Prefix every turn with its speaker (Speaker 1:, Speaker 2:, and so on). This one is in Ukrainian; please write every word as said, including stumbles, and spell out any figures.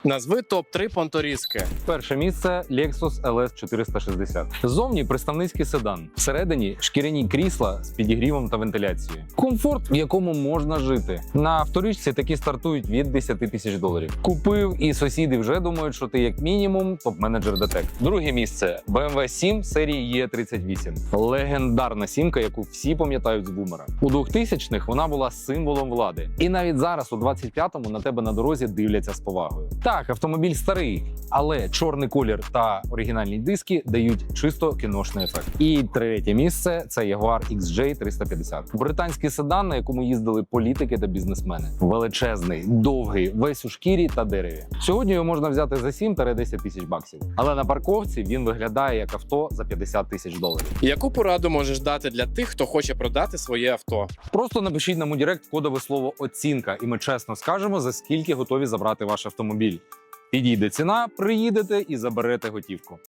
Speaker 1: Назви топ три понторізки.
Speaker 2: Перше місце Lexus ел ес чотириста шістдесят. Ззовні представницький седан. Всередині шкіряні крісла з підігрівом та вентиляцією. Комфорт, в якому можна жити. На авторічці такі стартують від десяти тисяч доларів. Купив, і сусіди вже думають, що ти як мінімум топ-менеджер ДТЕК. Друге місце бе ем ве сім серії Е тридцять вісім. Легендарна сімка, яку всі пам'ятають з бумера. У двохтисячних вона була символом влади. І навіть зараз, у двадцять п'ятому, на тебе на дорозі дивляться з повагою. Так, автомобіль старий, але чорний колір та оригінальні диски дають чисто кіношний ефект. І третє місце – це Jaguar ікс джей триста п'ятдесят. Британський седан, на якому їздили політики та бізнесмени. Величезний, довгий, весь у шкірі та дереві. Сьогодні його можна взяти за сім-десять тисяч баксів. Але на парковці він виглядає як авто за п'ятдесят тисяч доларів.
Speaker 1: Яку пораду можеш дати для тих, хто хоче продати своє авто?
Speaker 2: Просто напишіть нам у директ кодове слово «оцінка» і ми чесно скажемо, за скільки готові забрати ваш автомобіль. Підійде ціна, приїдете і заберете готівку.